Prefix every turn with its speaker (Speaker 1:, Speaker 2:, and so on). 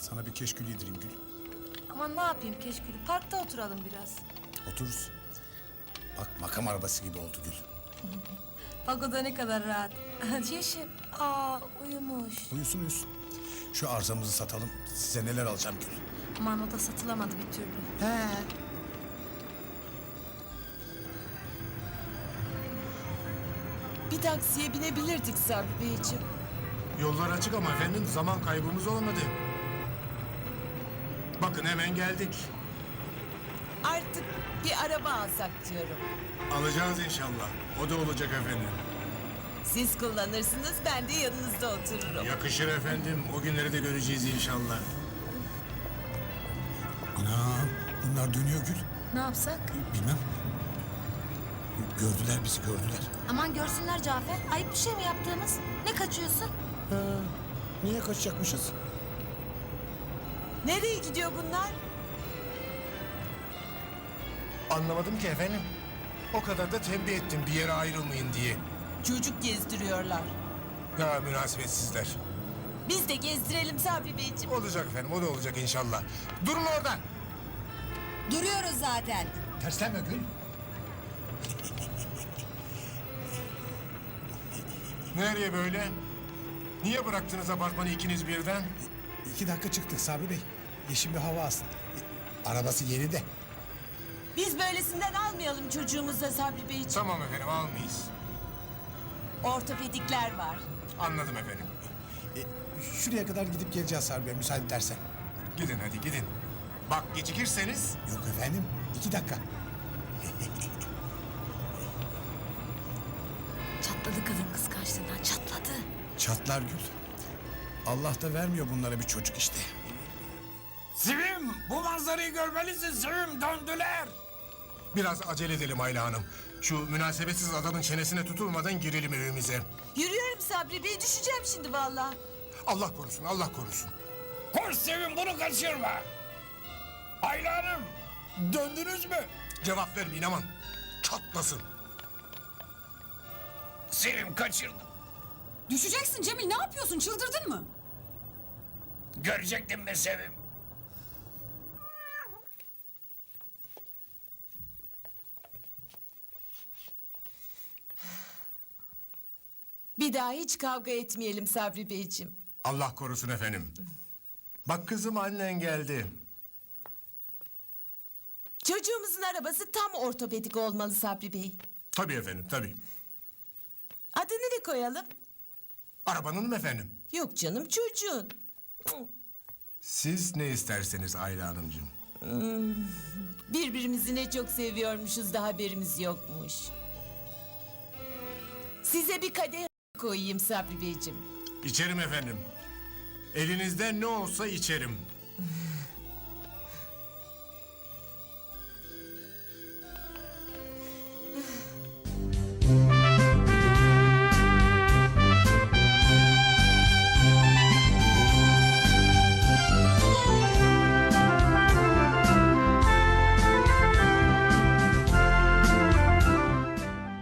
Speaker 1: Sana bir keşkül yedireyim Gül.
Speaker 2: Aman ne yapayım keşkülü, parkta oturalım biraz.
Speaker 1: Otururuz. Bak makam arabası gibi oldu Gül.
Speaker 2: Bak o da ne kadar rahat. Yeşim, uyumuş.
Speaker 1: Uyusun uyusun. Şu arzamızı satalım. Size neler alacağım Gül.
Speaker 2: Aman o da satılamadı bir türlü.
Speaker 1: He.
Speaker 3: Bir taksiye binebilirdik Sabri Beyciğim.
Speaker 4: Yollar açık ama efendim zaman kaybımız olmadı. Bakın hemen geldik.
Speaker 3: Artık bir araba alsak diyorum.
Speaker 4: Alacağız inşallah. O da olacak efendim.
Speaker 3: Siz kullanırsınız, ben de yanınızda otururum.
Speaker 4: Yakışır efendim. O günleri de göreceğiz inşallah.
Speaker 1: Anam bunlar dönüyor Gül.
Speaker 2: Ne yapsak?
Speaker 1: Bilmem. Gördüler bizi gördüler.
Speaker 2: Aman görsünler Cafer. Ayıp bir şey mi yaptığımız? Ne kaçıyorsun?
Speaker 1: Niye kaçacakmışız?
Speaker 3: Nereye gidiyor bunlar?
Speaker 4: Anlamadım ki efendim. O kadar da tembih ettim bir yere ayrılmayın diye.
Speaker 3: Çocuk gezdiriyorlar.
Speaker 4: Ya münasebetsizler.
Speaker 3: Biz de gezdirelim Sabri Beyciğim.
Speaker 4: Olacak efendim o da olacak inşallah. Durun orada.
Speaker 3: Duruyoruz zaten.
Speaker 1: Terslenme Gül.
Speaker 4: Nereye böyle? Niye bıraktınız apartmanı ikiniz birden?
Speaker 1: 2 dakika çıktık Sabri Bey. Yeşil bir hava alsın. Arabası yeni de.
Speaker 3: Biz böylesinden almayalım çocuğumuza Sabri Beyciğim.
Speaker 4: Tamam efendim almayız.
Speaker 3: Ortopedikler var.
Speaker 4: Anladım efendim.
Speaker 1: Şuraya kadar gidip geleceğiz Sabri Bey müsaade edersen.
Speaker 4: Gidin hadi gidin. Bak gecikirseniz
Speaker 1: Yok efendim 2 dakika.
Speaker 2: Çatladı kadın kıskançlığından, çatladı.
Speaker 1: Çatlar Gül. Allah da vermiyor bunlara bir çocuk işte.
Speaker 5: Sevim, bu manzarayı görmelisin Sevim, döndüler.
Speaker 4: biraz acele edelim Ayla Hanım. Şu münasebetsiz adamın çenesine tutulmadan girelim evimize.
Speaker 3: Yürüyorum Sabri Bey, düşeceğim şimdi vallahi.
Speaker 4: Allah korusun, Allah korusun.
Speaker 5: Koş Sevim, bunu kaçırma. Ayla Hanım, döndünüz mü?
Speaker 4: Cevap vermeyin aman. Çatlasın.
Speaker 5: Sevim kaçırdım.
Speaker 6: Düşeceksin Cemil, ne yapıyorsun? Çıldırdın mı?
Speaker 5: Görecektin mi Sevim?
Speaker 3: Bir daha hiç kavga etmeyelim Sabri Beyciğim.
Speaker 4: Allah korusun efendim. Bak kızım annen geldi.
Speaker 3: Çocuğumuzun arabası tam ortopedik olmalı Sabri Bey.
Speaker 4: Tabii efendim, tabii.
Speaker 3: Adını ne koyalım?
Speaker 4: Arabanın mı efendim?
Speaker 3: Yok canım, çocuğun.
Speaker 4: Siz ne isterseniz Ayla Hanımcığım.
Speaker 3: Birbirimizi ne çok seviyormuşuz da haberimiz yokmuş. Size bir kadeh koyayım Sabri Beyciğim.
Speaker 4: İçerim efendim. Elinizde ne olsa içerim.